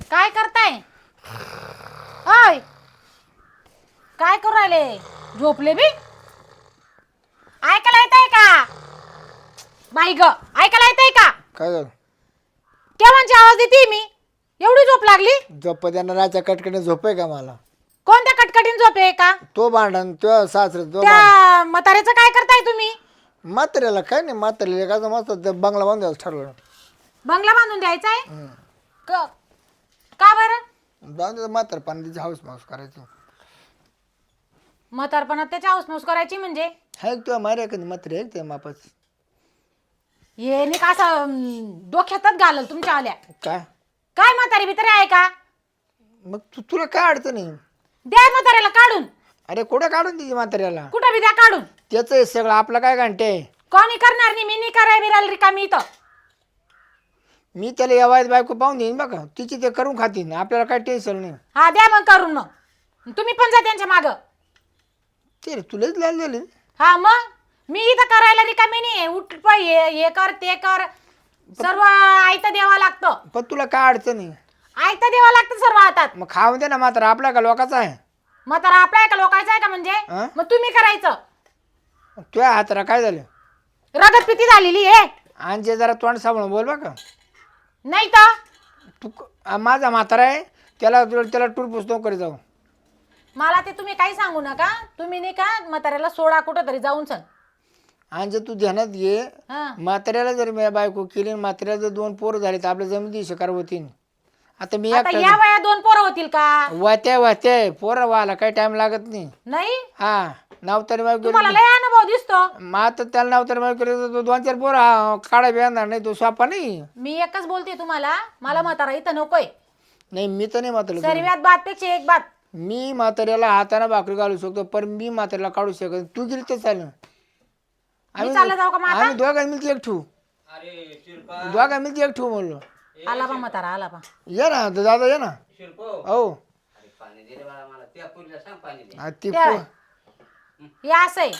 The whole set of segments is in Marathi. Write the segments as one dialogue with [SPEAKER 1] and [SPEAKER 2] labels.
[SPEAKER 1] काय करताय? ओय, काय करू राहिले? झोपले बी? ऐकायला येतंय का? बाई ग, ऐकायला येतंय का?
[SPEAKER 2] काय झालं?
[SPEAKER 1] केव्हाची आवाज देते मी? एवढी झोप लागली?
[SPEAKER 2] झोप देणाराच्या कटकने झोप आहे का मला?
[SPEAKER 1] कोणत्या कटकटीन झोप आहे का?
[SPEAKER 2] तो भांडण तो सासरे तो भांडण
[SPEAKER 1] त्या म्हाताऱ्याचं काय करताय तुम्ही?
[SPEAKER 2] म्हाताऱ्याला काय नाही, म्हाताऱ्याला काय मस्त ते बंगला बांधायचं ठरलं.
[SPEAKER 1] बंगला बांधून द्यायचा आहे? का बरं?
[SPEAKER 2] बांधायचं म्हातार पाण्याची हाऊस माऊस करायचं.
[SPEAKER 1] म्हातारपणात त्याची हाऊसमाऊस करायची म्हणजे?
[SPEAKER 2] आहे तुला मार्या कधी म्हातारी आहे ते मापाच
[SPEAKER 1] हे नाही का असं डोक्यातच घालल तुमच्या आल्या.
[SPEAKER 2] काय?
[SPEAKER 1] काय म्हातारी बितारी आहे का?
[SPEAKER 2] मग तुला काय अडचण आहे?
[SPEAKER 1] द्या म्हाताऱ्याला काढून.
[SPEAKER 2] अरे कुठं काढून तिची म्हाताऱ्याला?
[SPEAKER 1] कुठं बी द्या काढून.
[SPEAKER 2] त्याचं आहे सगळं, आपलं काय घंटे आहे?
[SPEAKER 1] कोणी करणार नाही, मी नाही कराय बिराल रिकामी इथं.
[SPEAKER 2] मी त्याला या वयात बायको पाहून देईन बघा, तिची ते करून खातीन, आपल्याला काय टेन्शन नाही.
[SPEAKER 1] हा द्या मग करून. मग तुम्ही पण जा त्यांच्या माग.
[SPEAKER 2] ते रे तुलाच लाल झाली.
[SPEAKER 1] हा मग मी इथं करायला रिकामी नाही. उठ पाय, हे कर ते कर, सर्व आयतं द्यावं लागतं.
[SPEAKER 2] पण तुला काय अडचण आहे?
[SPEAKER 1] आयतं द्यावं लागतं सर्व हातात.
[SPEAKER 2] मग खाऊन दे ना, मात्र आपला का लोकाचा आहे?
[SPEAKER 1] म्हातारा आपला आहे का लोकांचा आहे का म्हणजे?
[SPEAKER 2] हा?
[SPEAKER 1] मग तुम्ही करायचं.
[SPEAKER 2] तुझ्या हाताला काय झालं?
[SPEAKER 1] रगत पिती झालेली आहे.
[SPEAKER 2] आणि जरा तोंड सांभाळून बोल बघा.
[SPEAKER 1] नाही तर
[SPEAKER 2] तू माझा म्हातारा आहे, त्याला टूर पुस्तक करी जाऊ.
[SPEAKER 1] मला ते तुम्ही काही सांगू नका. तुम्ही नाही का म्हाताऱ्याला सोडा कुठं तरी जाऊन सन.
[SPEAKER 2] आणि तू ध्यानात घे,
[SPEAKER 1] हा
[SPEAKER 2] म्हाताऱ्याला जर मी बायको केली, म्हाताऱ्याला जर 2 पोरं झाले तर आपल्या जमिनी शिकार होतील. आता मी
[SPEAKER 1] आता या वया 2 पोरं होतील का?
[SPEAKER 2] वात्या पोरं व्हायला काही टाइम लागत नाही.
[SPEAKER 1] नाही
[SPEAKER 2] हा नावतारी बायको
[SPEAKER 1] तुम्हाला लय अनुभव दिसतो.
[SPEAKER 2] मग आता त्याला नावतारी बायको केली तर 2-4 पोरं काढा येणार नाही, तो स्वापा नाही.
[SPEAKER 1] मी एकच बोलते तुम्हाला, मला म्हातारा इथं नकोय.
[SPEAKER 2] नाही मी तर नाही म्हातारा.
[SPEAKER 1] सर्वात बात पेक्षा एक बात.
[SPEAKER 2] मी म्हाताऱ्याला हाताने भाकरी घालू शकतो, पण मी म्हाताऱ्याला काढू शकत. तू गेली तर चालेल.
[SPEAKER 1] मी चालला जाऊ का मग आता?
[SPEAKER 2] आम्ही दोघांनी मिळते एक ठेवू. दोघांनी मिळते एक ठेवू म्हणलो.
[SPEAKER 1] आला बा म्हातारा, आला बा.
[SPEAKER 2] ये ना दादा, ये ना. हो हा, ती
[SPEAKER 1] हे असं आहे.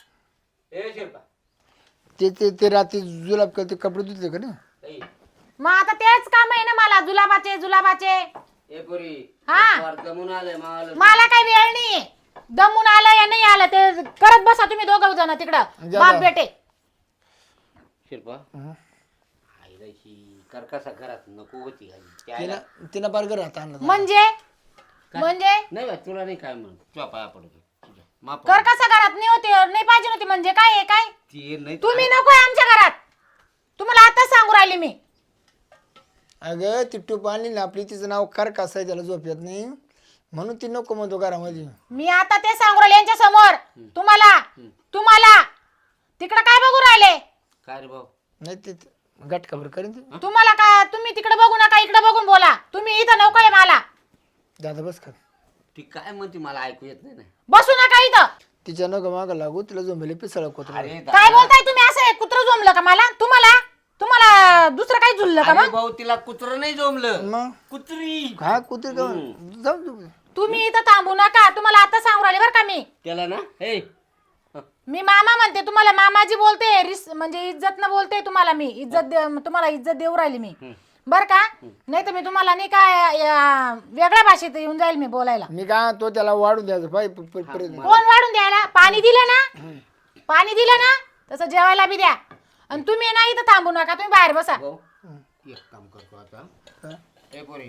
[SPEAKER 2] ते रात्री जुलाब करते, कपडे धुतले का नाही?
[SPEAKER 1] मग आता तेच काम आहे ना मला, जुलाबाचे जुलाबाचे. हा मला काही वेळ नाही. दमून आलं या नाही आलं ते करत बसा तुम्ही दोघं जण तिकडं बाप बेटे.
[SPEAKER 3] शिल्पा आईला ही करकसा घरात नको होती
[SPEAKER 2] तिनं बर्गर राहता
[SPEAKER 1] म्हणजे
[SPEAKER 3] नाही बा, तुला नाही काय म्हणत, तुझ्या पाया पडतो तुझ्या माफ
[SPEAKER 1] कर कसा घरात नाही होती, नाही पाहिजे नव्हती म्हणजे काय आहे काय?
[SPEAKER 3] ती नाही
[SPEAKER 1] तुम्ही नकोय आमच्या घरात. तुम्हाला आताच सांगू राहिले मी.
[SPEAKER 2] अगं ती टूप आणली ना आपली, तिचं नाव कर कसं आहे, त्याला झोप येत नाही म्हणून ती नको म्हणतो घरामध्ये.
[SPEAKER 1] मी आता ते सांगू राहिले यांच्या समोर. तुम्हाला तिकडे काय बघू राहिले?
[SPEAKER 3] काय रे भाऊ?
[SPEAKER 2] नाही ते गट खबर करेन ती.
[SPEAKER 1] तुम्हाला का तुम्ही तिकडे बघू नका, इकडे बघून बोला. तुम्ही इथं नकोय मला.
[SPEAKER 2] दादा बस कर.
[SPEAKER 3] ती काय म्हणते मला ऐकू येत नाही ना.
[SPEAKER 1] बसू नका इथं.
[SPEAKER 2] तिच्या नको मागं लागू, तिला झोंबले पिसळ कोत्र.
[SPEAKER 3] अरे
[SPEAKER 1] काय बोलताय तुम्ही? असं कुत्र जमलं का मला? तुम्हाला दुसरं काही झुललं का?
[SPEAKER 3] अरे
[SPEAKER 1] मग
[SPEAKER 3] भाऊ तिला कुत्र नाही जमलं,
[SPEAKER 2] मग
[SPEAKER 3] कुत्री.
[SPEAKER 2] हा कुत्री का जाऊ तू.
[SPEAKER 1] तुम्ही इथं थांबू नका. तुम्हाला आता सांगू राहिले बरं का मी.
[SPEAKER 3] त्याला ना हे
[SPEAKER 1] मी मामा म्हणते तुम्हाला, मामाजी बोलते, म्हणजे इज्जत न बोलते तुम्हाला. मी तुम्हाला इज्जत देऊ राहिली मी बर का. नाही तर मी तुम्हाला नाही काय वेगळ्या भाषेत येऊन जाईल मी बोलायला.
[SPEAKER 2] मी काय तो त्याला वाढून द्यायचं
[SPEAKER 1] कोण वाढून द्यायला? पाणी दिलं ना तसं जेवायला बी द्या. आणि तुम्ही ना इथं थांबू नका, तुम्ही बाहेर बसा.
[SPEAKER 3] भाऊ एक काम करतो आता. हे पोरी,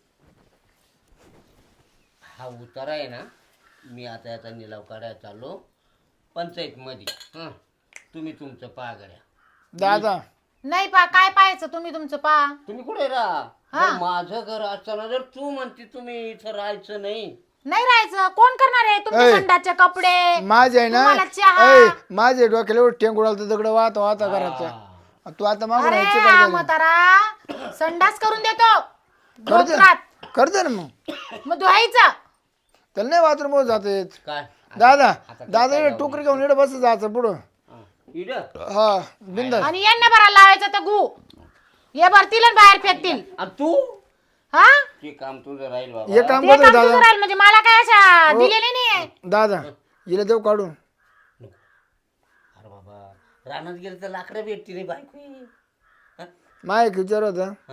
[SPEAKER 3] हा उतारा आहे ना, मी आता याचा निलाव काढायला चाललो पंचायत मध्ये. तुम्ही तुमचं पहा गड्या.
[SPEAKER 2] दादा
[SPEAKER 1] नाही काय पाहायचं तुम्ही तुमचं पहा.
[SPEAKER 3] तुम्ही कुठे राहा? माझं घर असताना जर तू म्हणते तुम्ही इथं राहायचं नाही
[SPEAKER 1] राहायचं, कोण करणार आहे? तुमचे संडासचे कपडे,
[SPEAKER 2] माझे आहे
[SPEAKER 1] तुम्हाला
[SPEAKER 2] ना,
[SPEAKER 1] चहा.
[SPEAKER 2] माझे डोक्याला टेंगुडाल तर दगड वाहता करायचं. तू आता मागून
[SPEAKER 1] अरे म्हातारा संडास करून देतो डोक्यात.
[SPEAKER 2] करते ना
[SPEAKER 1] मग धुवायचं.
[SPEAKER 2] त्याला नाही बाथरूम मध्ये जात येत.
[SPEAKER 3] काय
[SPEAKER 2] दादा टोकरी घेऊन इकडे बस जायचं पुढं. हा बिंदा.
[SPEAKER 1] आणि यांना भरायला लावायचं तर गु हे भरतील आणि बाहेर फेकतील.
[SPEAKER 3] तू
[SPEAKER 1] हा
[SPEAKER 3] ते काम तुझं राहील बाबा.
[SPEAKER 2] हे काम
[SPEAKER 1] ते
[SPEAKER 2] करतो
[SPEAKER 1] काम
[SPEAKER 2] दादा.
[SPEAKER 1] तुझं राहील म्हणजे मला काय अशा दिलेली नाहीये.
[SPEAKER 2] दादा हिला देऊ काढून.
[SPEAKER 3] अरे बाबा रानात गेलं तर लाकडं भेटते रे बायको.
[SPEAKER 2] माय एक विचार होता,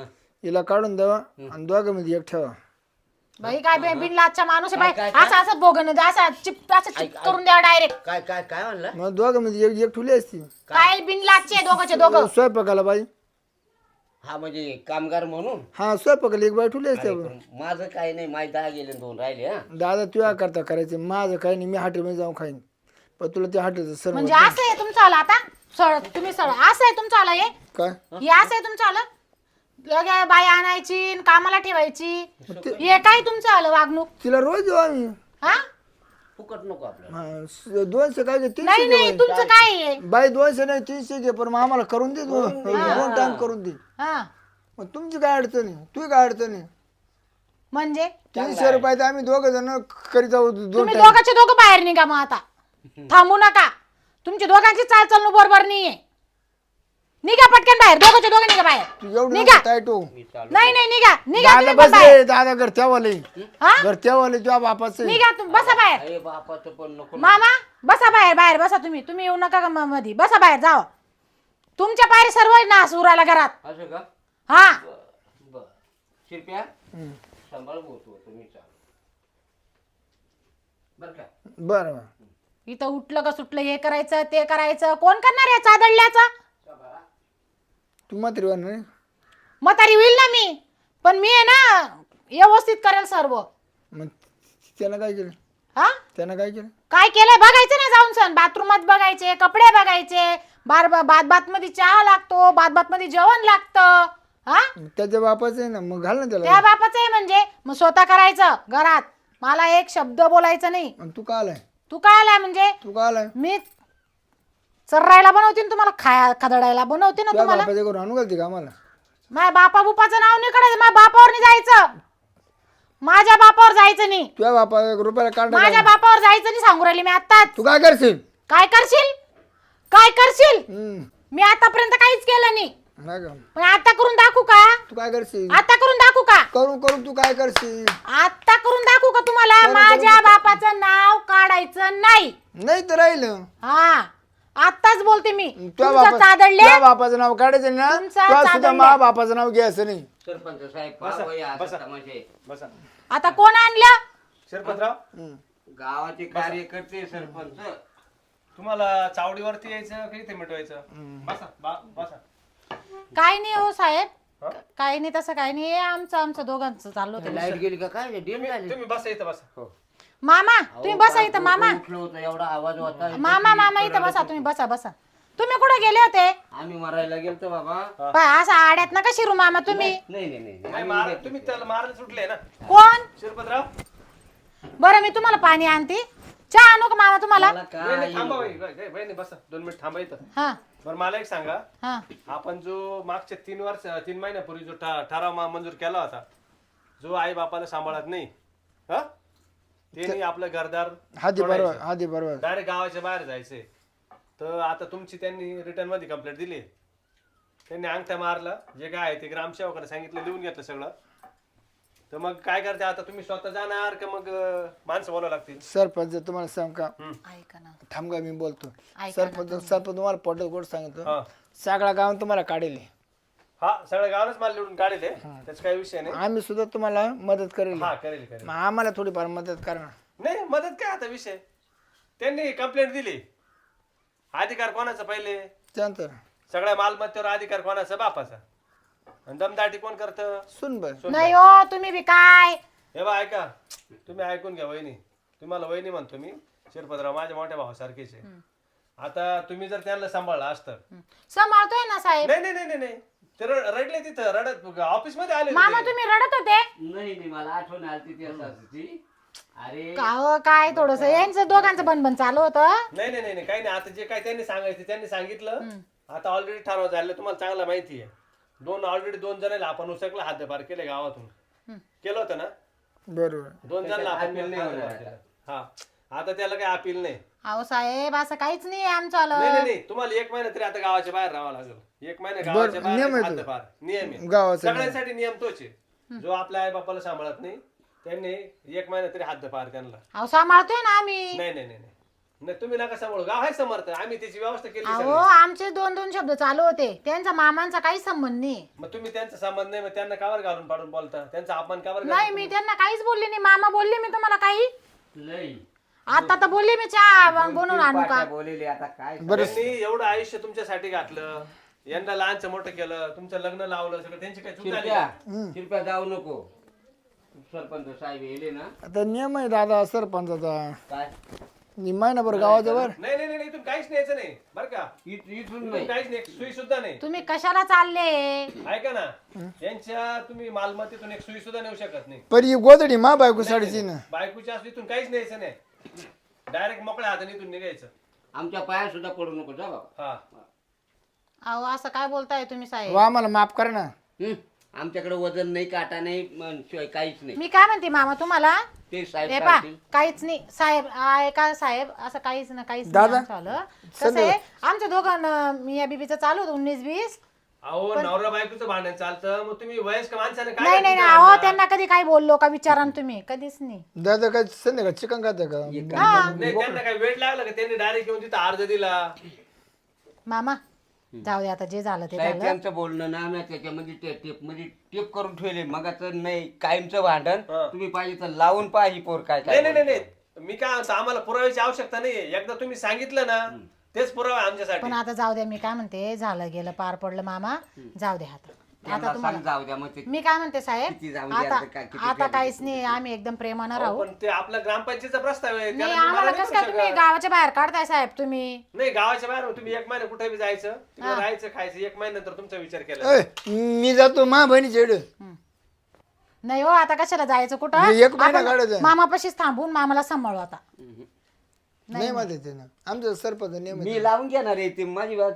[SPEAKER 2] हिला काढून द्यावा आणि दोघांमध्ये एक ठेवा.
[SPEAKER 1] बाई काय बिनलाजचा माणूस आहे बाई.
[SPEAKER 3] काय?
[SPEAKER 1] असं असं बोगन असं चिप करून द्यावा डायरेक्ट.
[SPEAKER 3] काय काय काय म्हणलं?
[SPEAKER 2] मग दोघांमध्ये एक एक ठुली असती
[SPEAKER 1] काय बिनलाजचे दोघंचे दोघं.
[SPEAKER 2] स्वयंपाकाला बाई.
[SPEAKER 3] हा म्हणजे कामगार म्हणून.
[SPEAKER 2] हा स्वयंपाकाला एक बाई ठुली असते.
[SPEAKER 3] अरे, पण माझं काही नाही, माझे 10 गेले 2 राहिले. हा
[SPEAKER 2] दादा तुझ्या करता करायचे, माझं काही नाही, मी हॉटेलमध्ये जाऊन खाईन. पण तुला ते हॉटेलचं सर्व
[SPEAKER 1] म्हणजे असं आहे तुमचं आलं आता. तुम्ही असं आहे तुमचं आलं हे
[SPEAKER 2] काय
[SPEAKER 1] असं आहे तुमचं आलं. लगे बाई आणायची न कामाला ठेवायची. हे काय तुमचं आलं वागणूक.
[SPEAKER 2] तिला रोज देऊ आम्ही.
[SPEAKER 1] हा
[SPEAKER 3] फुकट नको आपल्याला.
[SPEAKER 2] 200 काय घे, 300
[SPEAKER 1] नाही
[SPEAKER 2] घे
[SPEAKER 1] नाही
[SPEAKER 2] बाई.
[SPEAKER 1] तुमचं काय आहे.
[SPEAKER 2] बाई 200 नाही 300 घे, पण मग आम्हाला करून दे. 2 टाइम करून दे.
[SPEAKER 1] हा
[SPEAKER 2] मग तुमची काय अडचण आहे, तू काय अडचण आहे.
[SPEAKER 1] म्हणजे
[SPEAKER 2] 300 रुपये तर आम्ही 2 जण करीत जाऊ. 2
[SPEAKER 1] तुम्ही
[SPEAKER 2] टाइम
[SPEAKER 1] दोघांचे दोघं बाहेर निघा मग आता. थांबू नका. तुमची दोघांची चालचाल बरोबर नाहीये. निघा पटकन बाहेर. दोघांचे दोघं निघा बाहेर.
[SPEAKER 2] तू एवढं
[SPEAKER 1] निघा.
[SPEAKER 2] नको टाईट हो.
[SPEAKER 3] मी चालू.
[SPEAKER 1] नाही नाही निघा निघा
[SPEAKER 2] दादा
[SPEAKER 1] तुम्ही पण
[SPEAKER 2] बस
[SPEAKER 1] बाहेर.
[SPEAKER 2] रे, दादा घरच्यावाले
[SPEAKER 1] हा
[SPEAKER 2] घरच्यावाले तुझ्या बापाचं आहे.
[SPEAKER 1] निघा तुम्ही. बसा बाहेर.
[SPEAKER 3] अरे बापाचं पण नको.
[SPEAKER 1] मामा बसा बाहेर. बाहेर बसा तुम्ही. तुम्ही येऊ नका का मध्ये. बसा बाहेर जावा. तुमच्या पायरी सर्व नास उरायला घरात.
[SPEAKER 3] असं का?
[SPEAKER 1] हा
[SPEAKER 3] बर शिरप्या सांभाळ बोलतो तुम्ही. चालू बर का?
[SPEAKER 2] बरं बरं.
[SPEAKER 1] इथं उठलं का सुटलं हे करायचं ते करायचं. कोण करणार आहे चादडल्याचं.
[SPEAKER 2] तू मात्र नाही.
[SPEAKER 1] म्हातारी होईल ना मी. पण मी आहे ना व्यवस्थित करेल सर्व.
[SPEAKER 2] मग त्यानं काय केलं,
[SPEAKER 1] हा
[SPEAKER 2] त्यानं काय केलं.
[SPEAKER 1] काय केलंय बघायचं ना जाऊन सण. बाथरूमात बघायचे, कपडे बघायचे. बात मध्ये चहा लागतो, बात मध्ये जेवण लागतं. हा
[SPEAKER 2] त्याच्या बापाचं आहे ना, मग घाल ना
[SPEAKER 1] त्या
[SPEAKER 2] त्याला.
[SPEAKER 1] बापाचं आहे म्हणजे मग स्वतः करायचं घरात. मला एक शब्द बोलायचं नाही.
[SPEAKER 2] आणि तू का आलाय,
[SPEAKER 1] तू काय आलाय म्हणजे
[SPEAKER 2] तू का आलाय.
[SPEAKER 1] मी चर्रायला बनवते ना तुम्हाला, खदडायला बनवते ना
[SPEAKER 2] तुझ्या
[SPEAKER 1] तुम्हाला.
[SPEAKER 2] बापाच्या घरून आणू घालते का आम्हाला.
[SPEAKER 1] माझ्या बापा बुपाचं नाव नाही काढायचं. माझ्या बापावर नाही जायचं. माझ्या बापावर जायचं नाही.
[SPEAKER 2] तुझ्या बापा रुपयाला काढ.
[SPEAKER 1] माझ्या बापावर जायचं नाही सांगू राहिली मी आताच.
[SPEAKER 2] तू काय करशील.
[SPEAKER 1] काय करशील, काय करशील.
[SPEAKER 2] हम्म.
[SPEAKER 1] मी आतापर्यंत काहीच केलं नाही.
[SPEAKER 2] नाही का?
[SPEAKER 1] पण आता करून दाखवू का.
[SPEAKER 2] तू काय करशील.
[SPEAKER 1] आता करून दाखवू का.
[SPEAKER 2] करून करून तू काय करशील.
[SPEAKER 1] आता करून दाखवू का तुम्हाला. माझ्या बापाचं नाव काढायचं नाही.
[SPEAKER 2] नाही तर राहिलं.
[SPEAKER 1] हा आताच बोलते मी.
[SPEAKER 2] तुझ्या
[SPEAKER 1] तुमचं चादडले.
[SPEAKER 2] बापाचं नाव काढायचं ना.
[SPEAKER 1] तुमचा
[SPEAKER 2] तुला सुद्धा
[SPEAKER 1] चादडले.
[SPEAKER 2] मा बापाचं नाव घ्यायचं नाही.
[SPEAKER 3] सरपंच साहेब पाहा या असं तमाशे.
[SPEAKER 4] बसा
[SPEAKER 1] आता कोण आणलं.
[SPEAKER 4] शिरपतराव,
[SPEAKER 2] हम्म.
[SPEAKER 3] गावाचे कार्यकर्ते सरपंच.
[SPEAKER 4] तुम्हाला चावडीवरती यायचं की इथे मिटवायचं. बसा बसा.
[SPEAKER 1] काय नाही हो साहेब.
[SPEAKER 4] हा?
[SPEAKER 1] काही नाही तसं काही नाही. आमचं दोघांचं चाललं होतं.
[SPEAKER 3] लाईट गेली का काय डेल झाली.
[SPEAKER 4] तुम्ही बसा इथं बसा.
[SPEAKER 3] हो.
[SPEAKER 1] मामा तुम्ही बसा इथं. मामा
[SPEAKER 3] उठलं होतं एवढा आवाज होता.
[SPEAKER 1] मामा इथं बसा. तुम्ही बसा. तुम्ही कुठे गेले होते.
[SPEAKER 3] आम्ही मरायला गेलतो बाबा.
[SPEAKER 1] असं आड्यात नका शिरू मामा तुम्ही.
[SPEAKER 3] नाही नाही नाही
[SPEAKER 4] नाही मार, तुम्ही त्याला मारायला सुटले ना
[SPEAKER 1] कोण.
[SPEAKER 4] शिरपतराव.
[SPEAKER 1] बरं मी तुम्हाला पाणी आणते. चहा आणू का मामा तुम्हाला.
[SPEAKER 3] मला
[SPEAKER 4] नाही, नाही,
[SPEAKER 3] काय
[SPEAKER 4] थांबा वहिनी बसा 2 मिनिट थांबा इथं.
[SPEAKER 1] हा
[SPEAKER 4] बरं मला एक सांगा,
[SPEAKER 1] हा
[SPEAKER 4] आपण जो मागच्या 3 महिन्यापूर्वी जो ठराव मंजूर केला होता, जो आई बापाला सांभाळत नाही, हा त्यांनी आपलं घरदार
[SPEAKER 2] हादी बरोबर.
[SPEAKER 4] डायरेक्ट गावाच्या बाहेर जायचे. तर आता तुमची त्यांनी रिटर्न मध्ये कंप्लेंट दिली. त्यांनी अंगठा मारला. जे काय आहे ते ग्रामसेवकाने सांगितलं, लिहून घेतलं सगळं. तर मग काय करते आता, तुम्ही स्वतः जाणार का मग माणसं बोलावं लागतील.
[SPEAKER 2] सरपंच तुम्हाला सांग का,
[SPEAKER 1] ऐका ना.
[SPEAKER 2] थांब का मी बोलतो.
[SPEAKER 1] ऐका ना
[SPEAKER 2] सरपंच तुम्हाला पटत गोड सांगितलं.
[SPEAKER 4] हा
[SPEAKER 2] सगळा गाव तुम्हाला काढेल.
[SPEAKER 4] हा सगळ्या गावानच मला लिहून काढले. त्याचा काही विषय नाही.
[SPEAKER 2] आम्ही सुद्धा तुम्हाला मदत करेल.
[SPEAKER 4] हा करेल करेल.
[SPEAKER 2] मग आम्हाला थोडीफार मदत करणार.
[SPEAKER 4] नाही मदत काय आता विषय. त्यांनी कंप्लेंट दिली. अधिकार कोणाचा पहिले.
[SPEAKER 2] त्यानंतर
[SPEAKER 4] सगळ्या मालमत्तेवर अधिकार कोणाचा, बापाचा. आणि दमदाटी कोण करतं.
[SPEAKER 2] सुन बर.
[SPEAKER 1] नाही हो तुम्ही बी काय.
[SPEAKER 4] हे बा ऐका, तुम्ही ऐकून घ्या वहिनी. तुम्हाला वहिनी म्हणतो मी. शिरपतराव माझ्या मोठ्या भावासारखेच आहे. आता तुम्ही जर त्यांना सांभाळलं असतं.
[SPEAKER 1] सांभाळतोय ना साहेब.
[SPEAKER 4] नाही ते रडले तिथं, रडत ऑफिस मध्ये आले
[SPEAKER 1] मामा
[SPEAKER 4] होते.
[SPEAKER 1] तुम्ही रडत होते.
[SPEAKER 3] नाही मला आठवण आली ती असाची. अरे
[SPEAKER 1] का हो, काय थोडस यांचं दोघांचं बनबन चालू होतं.
[SPEAKER 4] नाही काही नाही. आता जे काय त्यांनी सांगायचं त्यांनी सांगितलं. आता ऑलरेडी ठराव झालं, तुम्हाला चांगला माहिती आहे. ऑलरेडी 2 जणांना आपण उसकला हातभार केले गावातून. केलं होतं ना.
[SPEAKER 2] बरोबर.
[SPEAKER 4] 2 जणांना आपण हातभार केला. हा आता त्याला काही अपील नाही.
[SPEAKER 1] अहो साहेब असं काहीच नाही आमचं आलं.
[SPEAKER 4] नाही तुम्हाला 1 महिना तरी आता गावाच्या बाहेर राहावं लागेल. 1 महिना गावाच्या
[SPEAKER 2] नियम
[SPEAKER 4] बाहेर
[SPEAKER 2] आहे तो.
[SPEAKER 4] हातभार नियम आहे.
[SPEAKER 2] गावाचा
[SPEAKER 4] सगळ्यांसाठी नियम तोच आहे. जो आपल्या आई बापाला सांभाळत नाही त्यांनी 1 महिना तरी हातभार त्यांना.
[SPEAKER 1] अहो सांभाळतोय ना आम्ही.
[SPEAKER 4] नाही नाही तुम्ही नका सांभाळू, गाव आहे समर्थ, आम्ही त्याची व्यवस्था केली
[SPEAKER 1] अहो
[SPEAKER 4] सगळी.
[SPEAKER 1] आमचे 2-2 शब्द चालू होते, त्यांचा मामांचा काही संबंध नाही.
[SPEAKER 4] मग तुम्ही त्यांचा संबंध नाही, मग त्यांना कावर घालून पाडून बोलता, त्यांचा अपमान कावर
[SPEAKER 1] नाही मी त्यांना काहीच बोलले नाही. मामा बोलले मी तुम्हाला काही?
[SPEAKER 3] लई
[SPEAKER 1] आता तर बोलले मी चहा बनवून आणू का?
[SPEAKER 3] बोलेले आता काय
[SPEAKER 4] त्यांनी एवढं आयुष्य तुमच्यासाठी घातलं, यंदा लहानचं मोठं केलं, तुमचं लग्न लावलं, सगळं त्यांची काय चूक झाली
[SPEAKER 3] शिरप्या
[SPEAKER 4] का?
[SPEAKER 3] शिरप्या जाऊ नको. सरपंच साहेब येले ना
[SPEAKER 2] आता नियम आहे दादा सरपंचाचा,
[SPEAKER 3] काय
[SPEAKER 2] महिनाभर गावाजवळ
[SPEAKER 4] नाही नाही नाही, इथून काहीच न्यायचं नाही बरं का,
[SPEAKER 3] इथून
[SPEAKER 4] इथून
[SPEAKER 3] नाही.
[SPEAKER 4] काहीच नाही, सुई सुद्धा नाही.
[SPEAKER 1] तुम्ही कशाला चालले?
[SPEAKER 4] ऐका ना, यांच्या तुम्ही मालमत्तेतून एक सुई सुद्धा नेऊ शकत नाही.
[SPEAKER 2] पण ही गोदडी मा बायको साडीची ना.
[SPEAKER 4] बायकोच्या असली इथून काहीच न्यायचं नाही, डायरेक्ट मोकळ्या हाताने इथून निघायचं.
[SPEAKER 3] आमच्या पाया सुद्धा पडू नको जा बाबा.
[SPEAKER 4] हा
[SPEAKER 1] अहो असं काय बोलताय तुम्ही साहेब?
[SPEAKER 2] वा आम्हाला माफ करा ना.
[SPEAKER 3] आमच्याकडे वजन नाही, काटा नाही, शिवाय काहीच नाही.
[SPEAKER 1] मी काय म्हणते मामा तुम्हाला,
[SPEAKER 3] ते साहेब
[SPEAKER 1] हे पा
[SPEAKER 3] सांगतील.
[SPEAKER 1] काहीच नाही साहेब, ऐका साहेब, असं काहीच ना काहीच नाही
[SPEAKER 2] दादा,
[SPEAKER 1] आमचं आलं. कसं आहे आमच्या दोघांना मिया बीबीचं चालू होतं 19-20.
[SPEAKER 4] अहो नवरा बायकोचं भांडण चालतं, मग तुम्ही वयस्क माणसाने काय
[SPEAKER 1] नाही नाही
[SPEAKER 4] करता?
[SPEAKER 1] नाही, अहो त्यांना कधी काही बोललो का विचारा ना तुम्ही? कधीच नाही.
[SPEAKER 2] दादा काय संध्याकाळ चिकन खाता का?
[SPEAKER 4] नाही त्यांना काय वेळ लागला का, त्यांनी डायरेक्ट येऊन तिथं अर्ज दिला.
[SPEAKER 1] मामा जाऊ दे आता, जे झालं ते
[SPEAKER 3] साहेब
[SPEAKER 1] झालं.
[SPEAKER 3] त्यांचं बोलणं ना मी त्याच्यामध्ये टेप मध्ये टेप करून ठेवले. मग नाही कायमचं भांडण
[SPEAKER 4] हा.
[SPEAKER 3] तुम्ही पाहिजे तर लावून पहा ही पोर काय
[SPEAKER 4] नाही
[SPEAKER 3] काय
[SPEAKER 4] नाही नाही नाही. मी काय म्हणतो, आम्हाला पुराव्याची आवश्यकता नाहीये, एकदा तुम्ही सांगितलं ना तेच पुरावा आहे आमच्यासाठी.
[SPEAKER 1] पण आता जाऊ द्या, मी काय म्हणते, झालं गेलं पार पडलं मामा, जाऊ द्या आता. आता तुम्हाला
[SPEAKER 3] जाऊ द्या. मग ते
[SPEAKER 1] मी काय म्हणते साहेब,
[SPEAKER 3] किती जाऊ द्या,
[SPEAKER 1] आता
[SPEAKER 3] आता काय, किती
[SPEAKER 1] आता काहीच नाही, आम्ही एकदम प्रेमानं
[SPEAKER 4] अहो,
[SPEAKER 1] राहू.
[SPEAKER 4] पण ते आपला ग्रामपंचायतीचा प्रस्ताव आहे,
[SPEAKER 1] नाही
[SPEAKER 4] त्याला मी
[SPEAKER 1] आम्हाला
[SPEAKER 4] मला
[SPEAKER 1] कसं
[SPEAKER 4] नाही
[SPEAKER 1] काय तुम्ही
[SPEAKER 4] करू
[SPEAKER 1] गावाच्या बाहेर काढताय साहेब तुम्ही?
[SPEAKER 4] शकत. नाही गावाच्या बाहेर तुम्ही एक महिना कुठे बी जायचं, तिकडे राहायचं, खायचं, एक महिन्यानंतर तुमचा विचार केला.
[SPEAKER 2] ए, मी जातो मा बहिणी चेड.
[SPEAKER 1] नाही हो, आता कशाला जायचं कुठं?
[SPEAKER 2] एक महिना
[SPEAKER 1] आपण
[SPEAKER 2] काढायचा.
[SPEAKER 1] मामापाशीच थांबून मामाला सांभाळू आता.
[SPEAKER 2] नाही म्हणते ते ना, आमचं सरपंच नियम आहे.
[SPEAKER 3] मी लावून घेणार आहे ते माझी बात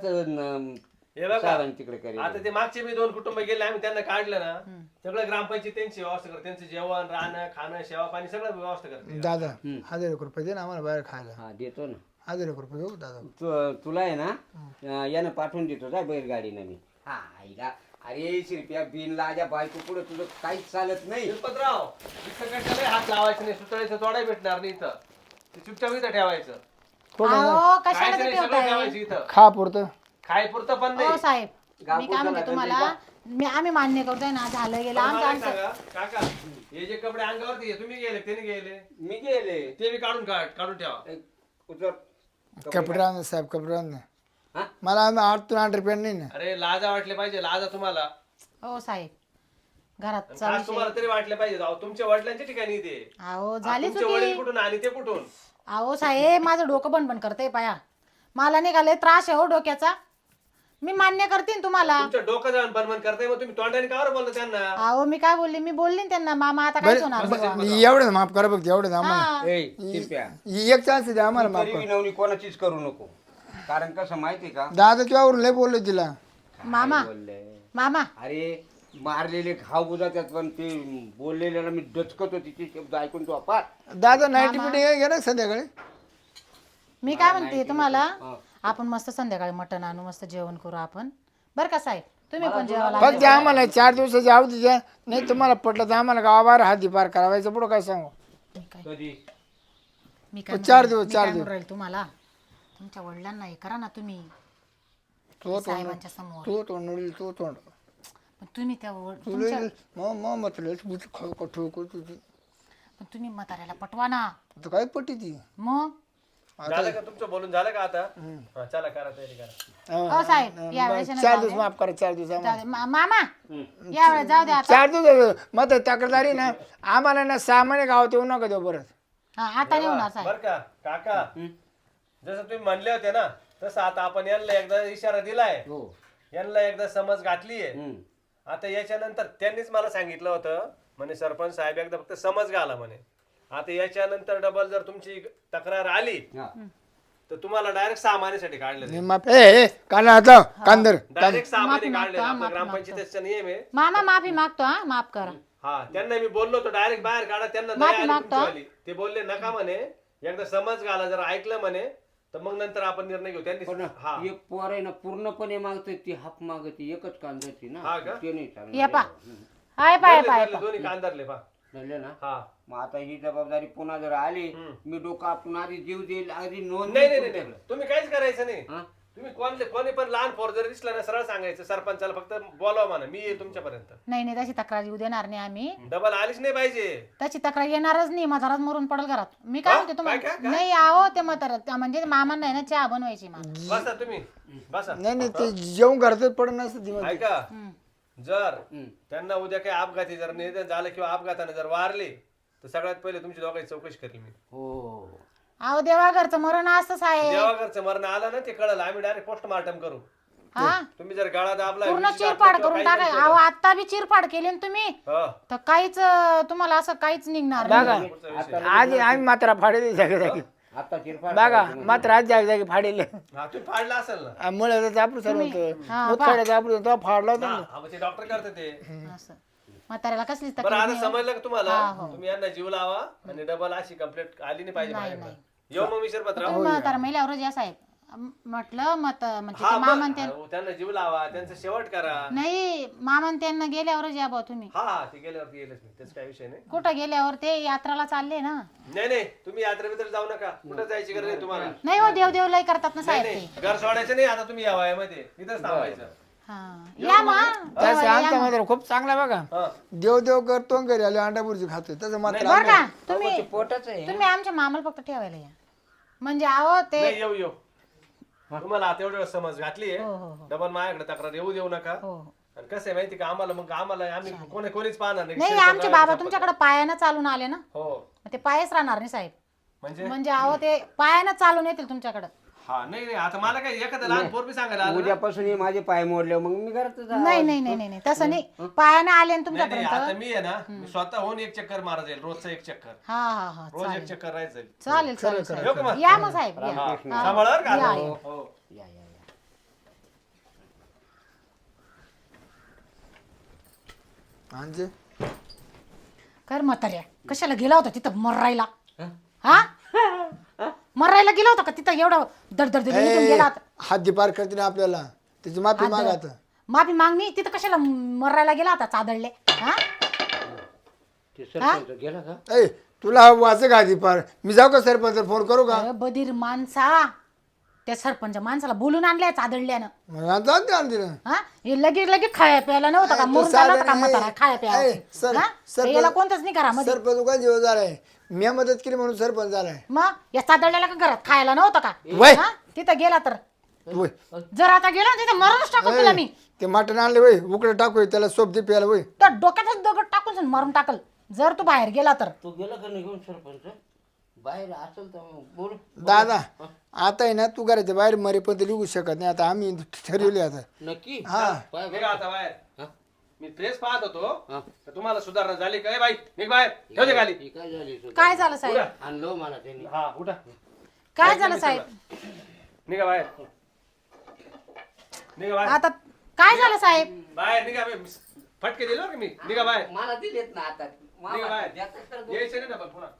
[SPEAKER 4] हे बघा,
[SPEAKER 3] तिकडे करेल.
[SPEAKER 4] आता ते मागचे मी 2 कुटुंब गेले, आम्ही त्यांना काढलं ना, सगळं ग्रामपंचायत त्यांची व्यवस्था करते, त्यांचं जेवण, राहणं, खाणं, सेवा पाणी सगळं व्यवस्था करते.
[SPEAKER 2] दादा 1000 रुपये दे ना आम्हाला बाहेर खायला.
[SPEAKER 3] हा देतो ना.
[SPEAKER 2] 1000 रुपये देऊ दादा.
[SPEAKER 3] तुला आहे ना यानं पाठवून देतो जा बैलगाडीनं मी. हा आईला अरे शिरप्या बिन लाजा बायको पुढे तुझं काहीच चालत नाही.
[SPEAKER 4] शिल्पतराव, इथं कशाला हात लावायचं नाही, सुतळायचं तोडाय भेटणार नाही इथं, ते चुपचाप इथं ठेवायचं,
[SPEAKER 1] अहो कशाला
[SPEAKER 4] खायचं
[SPEAKER 1] ते
[SPEAKER 4] नाही, सगळं
[SPEAKER 1] ठेवताय?
[SPEAKER 4] ठेवायचं इथं,
[SPEAKER 2] खा पुरतं.
[SPEAKER 4] खायपुरतं पण
[SPEAKER 1] हो
[SPEAKER 4] नाही.
[SPEAKER 1] साहेब,
[SPEAKER 3] गाव
[SPEAKER 1] मी काय म्हणते
[SPEAKER 3] पुरतं
[SPEAKER 1] तुम्हाला, आम्ही मान्य करतोय ना, झालं गेलं
[SPEAKER 4] पण
[SPEAKER 1] आमचं
[SPEAKER 4] मला एक
[SPEAKER 1] आमचं.
[SPEAKER 4] सांगा, काका हे जे कपडे अंगावरती आहे, तुम्ही गेले त्याने गेले,
[SPEAKER 3] मी गेले
[SPEAKER 4] ते बी काढून ठेवा.
[SPEAKER 3] उतर
[SPEAKER 2] कपडे आण साहेब, कपडे आण.
[SPEAKER 3] हा?
[SPEAKER 2] मला 8 रुपये नाही ना.
[SPEAKER 4] अरे लाजा वाटले पाहिजे, लाजा तुम्हाला,
[SPEAKER 1] हो साहेब, घरात
[SPEAKER 4] खास तुम्हाला तरी वाटले पाहिजे. अहो, तुमच्या वडिलांच्या ठिकाणी ते,
[SPEAKER 1] अहो झाली
[SPEAKER 4] तुमचे वडील
[SPEAKER 1] चुकी.
[SPEAKER 4] कुठून आणि ते कुठून?
[SPEAKER 1] अहो साहेब, माझं डोकं बंद करते पाया, मला निघाले त्रास आहे हो डोक्याचा. मी मान्य करते ना तुम्हाला.
[SPEAKER 4] तुमचं डोकं जाऊन बनबन करताय, मग तुम्ही तोंडाने कावर बोलता त्यांना?
[SPEAKER 1] अहो मी काय बोलली, मी बोलली ना त्यांना, मामा आता काहीच होणार नाही.
[SPEAKER 2] एवढं माफ करा बघ, एवढं आम्हाला.
[SPEAKER 1] हा.
[SPEAKER 3] ए शिरप्या
[SPEAKER 2] एक चान्स द्या आम्हाला माफ
[SPEAKER 3] तरी
[SPEAKER 2] करा.
[SPEAKER 3] विनवणी कोणाचीच करू नको. कारण कसं माहितीये का
[SPEAKER 2] दादा तुझ्यावरून लय बोललो तिला.
[SPEAKER 1] मामा
[SPEAKER 3] बोलले
[SPEAKER 1] मामा
[SPEAKER 3] अरे मारलेले घाव बुजातात पण ते बोललेल्याला मी डचकतो तिचे शब्द ऐकून तो अपार.
[SPEAKER 2] दादा नाईटी मिटिंग घे ना संध्याकाळी.
[SPEAKER 1] मी काय म्हणते तुम्हाला, आपण मस्त संध्याकाळी मटण आणू, मस्त जेवण करू आपण, बरं का साहेब? तुम्ही पण जेवायला
[SPEAKER 2] फक्त आम्हाला 4 दिवसाची अवधी द्या, नाही तुम्हाला पटलं तर आम्हाला गावाबाहेर हाती पार करावायचं. पुढं काय सांगू?
[SPEAKER 3] कधी
[SPEAKER 1] मी काय
[SPEAKER 2] 4 दिवस,
[SPEAKER 1] मी
[SPEAKER 2] 4
[SPEAKER 1] काय
[SPEAKER 2] दिवस.
[SPEAKER 1] म्हणून राहील तुम्हाला, तुमच्या वडिलांना हे करा ना तुम्ही
[SPEAKER 2] तो
[SPEAKER 1] साहेबांच्या समोर.
[SPEAKER 2] तो तोंड तो तोंड
[SPEAKER 1] पण तुम्ही त्या
[SPEAKER 2] तुला मग म्हटलं खाऊ का ठोकू तुझी.
[SPEAKER 1] पण तुम्ही म्हाताऱ्याला पटवा ना.
[SPEAKER 2] आता काय पटी ती.
[SPEAKER 1] मग
[SPEAKER 4] झालं का तुमचं बोलून, झालं का आता? हा, चला करा तयारी करा.
[SPEAKER 1] हो साहेब, या वेळेस
[SPEAKER 2] 4 दिवस माफ करा. 4 दिवस आम्हाला.
[SPEAKER 1] मामा या वेळेस जाऊ द्या आता.
[SPEAKER 2] 4 दिवस मग तक्रारी ना आम्हाला ना सामान्य गावात येऊ नका देऊ परत.
[SPEAKER 1] हा, आता नाही होणार साहेब.
[SPEAKER 4] बर का काका, जसं तुम्ही म्हणले होते ना, तसं आता आपण यांना एकदा इशारा दिलाय,
[SPEAKER 3] हो
[SPEAKER 4] यांना एकदा समज घातलीये.
[SPEAKER 3] हम्म.
[SPEAKER 4] आता याच्यानंतर त्यांनीच मला सांगितलं होतं म्हणे, सरपंच साहेब एकदा फक्त समज घाला म्हणे. आता याच्यानंतर डबल जर तुमची तक्रार आली
[SPEAKER 3] हा.
[SPEAKER 4] तर तुम्हाला डायरेक्ट 6 महिन्यासाठी काढलं
[SPEAKER 2] मी माफ काढला आता कांदर.
[SPEAKER 4] डायरेक्ट 6 महिने
[SPEAKER 1] माफी
[SPEAKER 4] काढले.
[SPEAKER 1] मागतो,
[SPEAKER 4] आपला
[SPEAKER 1] माफी
[SPEAKER 4] ग्रामपंचायतीचा नियम आहे.
[SPEAKER 1] मामा माफी मागतो, हा माफ करा.
[SPEAKER 4] हा, त्यांना मी बोललो होतो डायरेक्ट बाहेर काढा, त्यांना
[SPEAKER 1] माफी
[SPEAKER 4] नाही आली
[SPEAKER 1] मागतो.
[SPEAKER 4] तुमची आली. ते बोलले नका म्हणे, एकदा समज घाला, जर ऐकलं म्हणे तर मग नंतर आपण निर्णय घेऊ. त्यांनी
[SPEAKER 3] पण
[SPEAKER 4] हा
[SPEAKER 3] एक पोर आहे ना पूर्णपणे मागते ती हाफ मागते एकच कांद्याची ना
[SPEAKER 4] हा का?
[SPEAKER 3] ते नाही चालणार.
[SPEAKER 1] ये पा हाय पाय पाय
[SPEAKER 4] दोन्ही कांदारले पा.
[SPEAKER 3] कळलं ना
[SPEAKER 4] हा
[SPEAKER 3] मग आता ही जबाबदारी पुन्हा जर आली मी डोकं आपण आधी जीव देईल आधी नोंद
[SPEAKER 4] नाही
[SPEAKER 3] देईल
[SPEAKER 4] नाही नाही
[SPEAKER 3] सगळं.
[SPEAKER 4] तुम्ही काहीच करायचं नाही
[SPEAKER 3] हा?
[SPEAKER 4] तुम्ही कोणी पण लहान पोर जर दिसला ना सरळ सांगायचं सरपंचाला फक्त बोलावा म्हणा मी येईल तुमच्यापर्यंत
[SPEAKER 1] नाही नाही तशी तक्रार येऊ देणार नाही आम्ही.
[SPEAKER 4] डबल आलीच नाही पाहिजे.
[SPEAKER 1] त्याची तक्रार येणारच नाही. म्हाताराच मरून पडल घरात. मी काय म्हणते
[SPEAKER 4] काय?
[SPEAKER 1] तुम्हाला नाही आहो ते म्हातारा म्हणजे मामांना आहे ना चहा बनवायची मला.
[SPEAKER 4] बसा तुम्ही बसा.
[SPEAKER 2] नाही नाही ते जेवण घरातच पडत नसतं दिवस.
[SPEAKER 4] ऐका जर त्यांना उद्या काही अपघाती जर निधन झालं किंवा अपघाताने जर वारले तर सगळ्यात पहिले तुमची दोघांची चौकशी करेल मी.
[SPEAKER 3] हो
[SPEAKER 1] अहो देवा घरचं मरण असतंच आहे.
[SPEAKER 4] देवाघरचं मरण आलं ना ते कळलं आम्ही डायरेक्ट पोस्टमार्टम करू.
[SPEAKER 1] हा
[SPEAKER 4] तुम्ही जर गळा दाबला
[SPEAKER 1] पूर्ण
[SPEAKER 4] विष घातलं
[SPEAKER 1] चिरफाड
[SPEAKER 4] किंवा
[SPEAKER 1] करून
[SPEAKER 4] काही
[SPEAKER 1] टाकाय.
[SPEAKER 4] केलं,
[SPEAKER 1] अहो आता बी चिरफाड केली ना तुम्ही
[SPEAKER 4] हा,
[SPEAKER 1] तर काहीच तुम्हाला असं काहीच निघणार
[SPEAKER 2] बघा
[SPEAKER 1] नाही.
[SPEAKER 2] आज आम्ही मात्र फाडेल जागी जागी.
[SPEAKER 3] आता चिरफाड
[SPEAKER 2] बघा मात्र आज जागी जागी फाडेल.
[SPEAKER 4] हा, तुम्ही फाडला असेल ना.
[SPEAKER 2] मुळे आपलं सर्व
[SPEAKER 1] हा,
[SPEAKER 2] होतं मुतखड्याचं आपलं तो फाडला होता ना.
[SPEAKER 4] हा, मग ते डॉक्टर करते ते.
[SPEAKER 1] असं म्हाताऱ्याला कसलीच
[SPEAKER 4] बरं
[SPEAKER 1] तक्रार
[SPEAKER 4] आता
[SPEAKER 1] नाही.
[SPEAKER 4] समजलं का तुम्हाला
[SPEAKER 1] हा, हो.
[SPEAKER 4] तुम्ही यांना जीव लावा आणि डबल अशी कंप्लेंट आली नाही पाहिजे
[SPEAKER 1] नाही,
[SPEAKER 4] माझ्याकडे. येऊ मग मी शिरपतराव.
[SPEAKER 1] तुम्ही म्हातारा मेल्यावर या साहेब म्हटलं मत म्हणजे
[SPEAKER 4] हा
[SPEAKER 1] ते
[SPEAKER 4] मग,
[SPEAKER 1] मामान ते
[SPEAKER 4] त्यांना जीव लावा त्यांचं शेवट करा.
[SPEAKER 1] नाही मामान त्यांना गेल्यावरच या बा तुम्ही.
[SPEAKER 4] हा हा ते गेल्यावरती येईलच मी त्याच काही विषय नाही.
[SPEAKER 1] कुठं गेल्यावर ते यात्राला चालले ना.
[SPEAKER 4] नाही नाही तुम्ही यात्रेबद्दल जाऊ नका कुठं जायची गरज नाही तुम्हाला.
[SPEAKER 1] नाही हो देव देव लय करतात ना
[SPEAKER 4] नाही
[SPEAKER 1] साहेब ते.
[SPEAKER 4] नाही घर सोडायचं नाही आता तुम्ही या वयामध्ये इथंच थांबायचं.
[SPEAKER 1] हा या मग
[SPEAKER 2] तसं आमचा मात्र खूप चांगला बघा
[SPEAKER 4] हा.
[SPEAKER 2] देव देव करतो घरी आले अंडा बुर्जी खातोय तसं मात्र
[SPEAKER 1] बरं का तुम्ही
[SPEAKER 3] पोटच आहे
[SPEAKER 1] तुम्ही आमच्या मामाला फक्त ठेवायला या म्हणजे अहो ते
[SPEAKER 4] नाही येऊ येऊ तुम्हाला आता एवढं समज घातली
[SPEAKER 1] हो, हो, हो.
[SPEAKER 4] डबल माझ्याकडे तक्रार येऊ देऊ नका.
[SPEAKER 1] हो
[SPEAKER 4] आणि कसं आहे माहिती का आम्हाला आम्ही कोणीच पाहणार
[SPEAKER 1] नाही
[SPEAKER 4] नाही.
[SPEAKER 1] आमचे बाबा तुमच्याकडे पायानं चालून आले ना
[SPEAKER 4] हो
[SPEAKER 1] मग ते पायच राहणार नाही साहेब.
[SPEAKER 4] म्हणजे
[SPEAKER 1] म्हणजे अहो ते पायानं चालून येतील तुमच्याकडे.
[SPEAKER 4] हा नाही नाही आता मला काय एखादं लहान पोर बी सांगायला आलं ना.
[SPEAKER 3] उद्यापासून हे माझे पाय मोडले मग मी घरात
[SPEAKER 1] नाही नाही नाही नाही तसं नाही पायानं आले ना
[SPEAKER 4] नाही, नाही,
[SPEAKER 1] तुमच्यापर्यंत.
[SPEAKER 4] आता मी आहे ना मी स्वतः होऊन एक चक्कर मारा जाईल रोजचा एक चक्कर
[SPEAKER 1] हा हा हा
[SPEAKER 4] रोज एक चक्कर राहायचं.
[SPEAKER 1] चालेल चालेल
[SPEAKER 4] येऊ का मग?
[SPEAKER 1] चालेल या मग साहेब या.
[SPEAKER 4] हा, सांभाळा बरं का
[SPEAKER 1] या,
[SPEAKER 4] आता.
[SPEAKER 1] या.
[SPEAKER 4] हो.
[SPEAKER 3] या या या
[SPEAKER 2] म्हणजे
[SPEAKER 1] कर म्हाताऱ्या कशाला गेला होता तिथं मरायला. हा मरायला गेला होता का तिथं एवढं दडदड गेला होता.
[SPEAKER 2] हात पार करते ना आपल्याला त्याची माफी मागात.
[SPEAKER 1] माफी मागणी तिथं कशाला मरायला गेला होता चादडले. हा
[SPEAKER 3] ते सरपंच गेला का
[SPEAKER 2] ए तुला वाच का आधी पार मी जाऊ का सरपंच फोन करू का
[SPEAKER 1] अरे बधीर माणसा त्या सरपंच माणसाला बोलून आणल्या चादडल्यानं.
[SPEAKER 2] मग जाऊ दे आणते ना.
[SPEAKER 1] हा हे लगेच लगेच खाया प्यायला नव्हतं का मरून चालला होता का म्हातारा खाया प्यायला. याला कोणतंच नाही घरामध्ये.
[SPEAKER 2] सरपंच का जीव झालाय मी मदत केली म्हणून सरपंच झालाय.
[SPEAKER 1] मग या चादडल्याला का घरात खायला नव्हतं का.
[SPEAKER 2] वय.
[SPEAKER 1] हा? तिथं गेला तर
[SPEAKER 2] वय.
[SPEAKER 1] जर आता गेला ना तिथं मरूनच टाकू तुला मी.
[SPEAKER 2] ते मटण आणले वय उकडे टाकू त्याला सोप दे प्यायला वय.
[SPEAKER 1] तर डोक्यातच दगड टाकून मारून टाकल जर तू बाहेर गेला तर.
[SPEAKER 3] तू गेला का निघून सरपंच बाहेर असेल तर बोल
[SPEAKER 2] दादा आता आहे ना तू घराच्या बाहेर मरेपर्यंत लिहू शकत नाही आता आम्ही ठरवले आता.
[SPEAKER 3] नक्की
[SPEAKER 2] हा
[SPEAKER 3] पाय
[SPEAKER 4] निघा आता बाहेर.
[SPEAKER 3] हा?
[SPEAKER 4] मी फ्रेश पाहत होतो
[SPEAKER 3] हा.
[SPEAKER 4] तर तुम्हाला सुधारणा झाली काय बाई निघ बाहेर ठेवते खाली.
[SPEAKER 3] ही काय झाली सुद्धा?
[SPEAKER 1] काय झालं साहेब.
[SPEAKER 3] आणलो मला त्यांनी
[SPEAKER 4] हा उठा
[SPEAKER 1] काय झालं साहेब.
[SPEAKER 4] निघा बाहेर निघा बाहेर
[SPEAKER 1] आता काय झालं साहेब.
[SPEAKER 4] बाहेर निघा फटके दिले बरं का मी निघा बाहेर
[SPEAKER 3] मला दिलेत ना आता
[SPEAKER 4] निघा बाहेर
[SPEAKER 3] देतात तर दोन.
[SPEAKER 4] यायचं नाही ना पण पुन्हा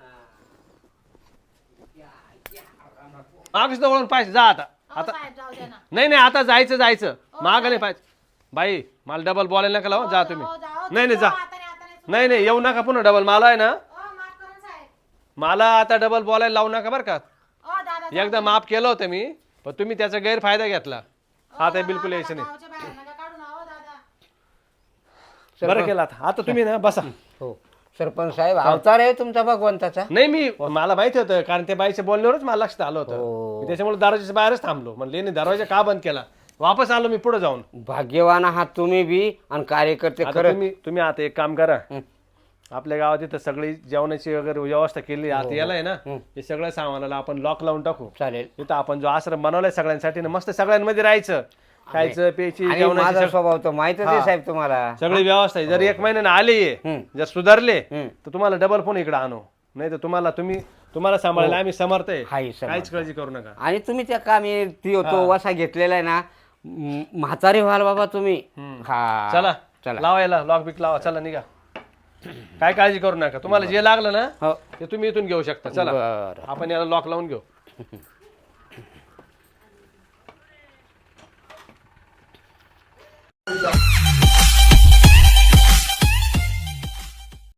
[SPEAKER 4] मागच वळून पाहिजे जा आता
[SPEAKER 1] अहो साहेब जाऊ द्या ना.
[SPEAKER 4] नाही नाही आता जायचं माग नाही पाहिजे बाई मला डबल बोलायला नका लावा जा तुम्ही
[SPEAKER 1] हो, जाओ,
[SPEAKER 4] नाही नाही जा
[SPEAKER 1] आता नाही.
[SPEAKER 4] नाही नाही येऊ नका पुन्हा डबल मला आहे ना
[SPEAKER 1] माफ करा साहेब.
[SPEAKER 4] मला आता डबल बोलायला लावू नका बरं का
[SPEAKER 1] दादा
[SPEAKER 4] एकदा माफ केलं होतं मी पण तुम्ही त्याचा गैरफायदा घेतला आता बिलकुल यायचं नाही
[SPEAKER 1] गावच्या बाहेर नका काढू ना, हो दादा.
[SPEAKER 4] बरं केलं आता तुम्ही ना बसा
[SPEAKER 3] हो सरपंच साहेब अवतार आहे तुमचा भगवंताचा.
[SPEAKER 4] नाही मी मला माहिती होतं कारण त्या बाईच्या बोलण्यावरच मला लक्षात आलं होतं मी त्याच्यामुळे दरवाजाच्या बाहेरच थांबलो म्हणले दरवाजा का बंद केला वापस आलो मी पुढे जाऊन.
[SPEAKER 3] भाग्यवान आहात तुम्ही बी आणि कार्यकर्ते
[SPEAKER 4] आता
[SPEAKER 3] खरं
[SPEAKER 4] तुम्ही आता एक काम करा आपल्या गावात इथं सगळी जेवणाची वगैरे व्यवस्था केली आता याला आहे ना हे सगळं सामानाला आपण लॉक लावून टाकू.
[SPEAKER 3] चालेल
[SPEAKER 4] इथं आपण जो आश्रम बनवलाय सगळ्यांसाठी ना मस्त सगळ्यांमध्ये राहायचं खायचं प्यायची
[SPEAKER 3] आणि
[SPEAKER 4] जेवणाची
[SPEAKER 3] माझा स्वभाव तर माहितच आहे साहेब तुम्हाला.
[SPEAKER 4] सगळी व्यवस्था आहे. जर एक महिन्याने आले जर सुधारले तर तुम्हाला डबल फोन इकडे आणू नाही तर तुम्हाला सांभाळायला आम्ही समर्थ आहे काहीच काळजी करू नका.
[SPEAKER 3] आणि तुम्ही त्या कामी तो वसा घेतलेला आहे ना म्हातारे व्हाल बाबा तुम्ही. हा
[SPEAKER 4] चला
[SPEAKER 3] चला
[SPEAKER 4] लावायला लॉक बिक लावा चला निघा काय काळजी करू नका तुम्हाला जे लागलं ना
[SPEAKER 3] हो
[SPEAKER 4] ते तुम्ही इथून घेऊ शकता चला
[SPEAKER 3] बरं
[SPEAKER 4] आपण याला लॉक लावून घेऊ.